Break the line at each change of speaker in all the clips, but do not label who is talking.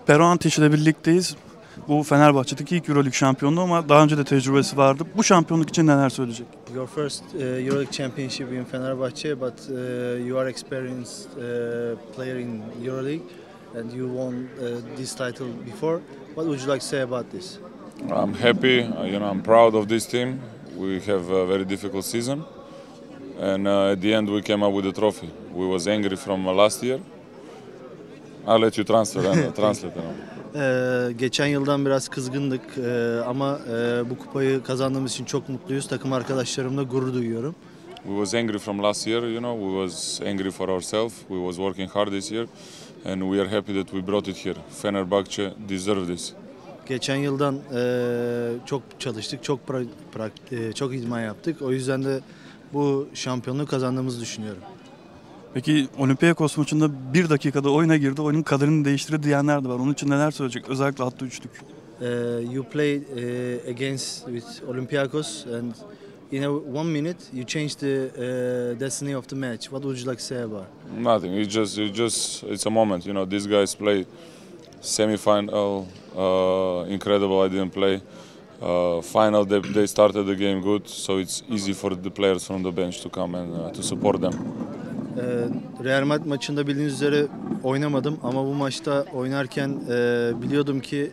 Pero Antic ile birlikteyiz. Bu Fenerbahçe'deki ilk Euroleague şampiyonluğu ama daha önce de tecrübesi vardı. Bu şampiyonluk için neler söyleyecek?
Your first Euroleague championship in Fenerbahçe, but you are experienced player in Euroleague, and you won this title before. What would you like to say about this?
I'm happy. I'm proud of this team. We have a very difficult season, and at the end we came up with a trophy. We was angry from last year. I'll let you translate.
Geçen yıldan biraz kızgındık ama bu kupayı kazandığımız için çok mutluyuz. Takım arkadaşlarımla gurur duyuyorum.
We was angry from last year, we was angry for ourselves. We was working hard this year, and we are happy that we brought it here. Fenerbahçe deserve this.
Geçen yıldan çok çalıştık, çok idman yaptık. O yüzden de bu şampiyonluğu kazandığımızı düşünüyorum.
Peki Olympiakos maçında bir dakikada oyuna girdi, oyunun kaderini değiştirdi diyenler de var. Onun için neler söyleyecek? Özellikle hatta üçlük.
You played against with Olympiakos, and in one minute you changed the destiny of the match. What would you like to say about?
Nothing. It's a moment. These guys play semi-final. Incredible. I didn't play. Final. They started the game good, so it's easy for the players from the bench to come and to support them.
Real Madrid maçında bildiğiniz üzere oynamadım ama bu maçta oynarken biliyordum ki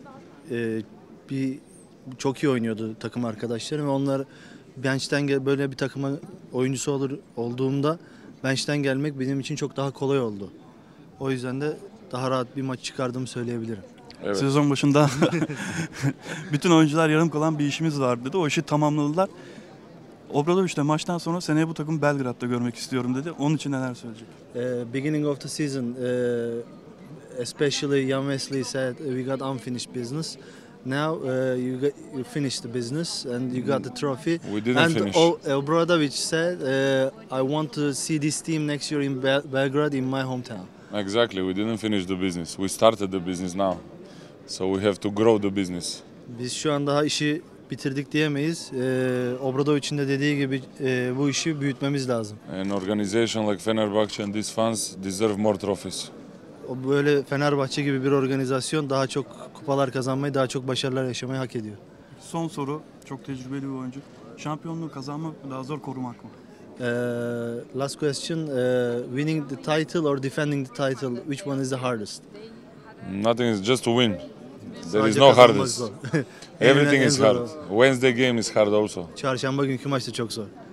çok iyi oynuyordu takım arkadaşlarım ve onlar bench'ten böyle bir takıma oyuncusu olduğumda bench'ten gelmek benim için çok daha kolay oldu. O yüzden de daha rahat bir maç çıkardığımı söyleyebilirim.
Evet.
Sezon başında bütün oyuncular yarım kalan bir işimiz var dedi. O işi tamamladılar. Obradoviç de maçtan sonra seneye bu takımı Belgrad'da görmek istiyorum dedi. Onun için neler söyleyecek?
Beginning of the season, especially Jan Wesley said we got unfinished business. Now you finished the business and you got the trophy.
We didn't finish.
Obradović said, I want to see this team next year in Belgrade, in my hometown.
Exactly. We didn't finish the business. We started the business now, so we have to grow the business.
Biz şu an daha işi bitirdik diyemeyiz. Obradoviç'in de dediği gibi bu işi büyütmemiz lazım.
An organization like Fenerbahçe and these fans deserve more trophies.
Böyle Fenerbahçe gibi bir organizasyon daha çok kupalar kazanmayı, daha çok başarılar yaşamayı hak ediyor.
Son soru, çok tecrübeli bir oyuncu. Şampiyonluğu kazanmak mı daha zor, korumak mı?
Last question, winning the title or defending the title, which one is the hardest?
Nothing is just to win. There is
Sadece
no
kazanmak
hardest.
zor.
Everything
En
is
zor
hard.
o.
Wednesday game is hard also.
Çarşamba günkü maç da çok zor.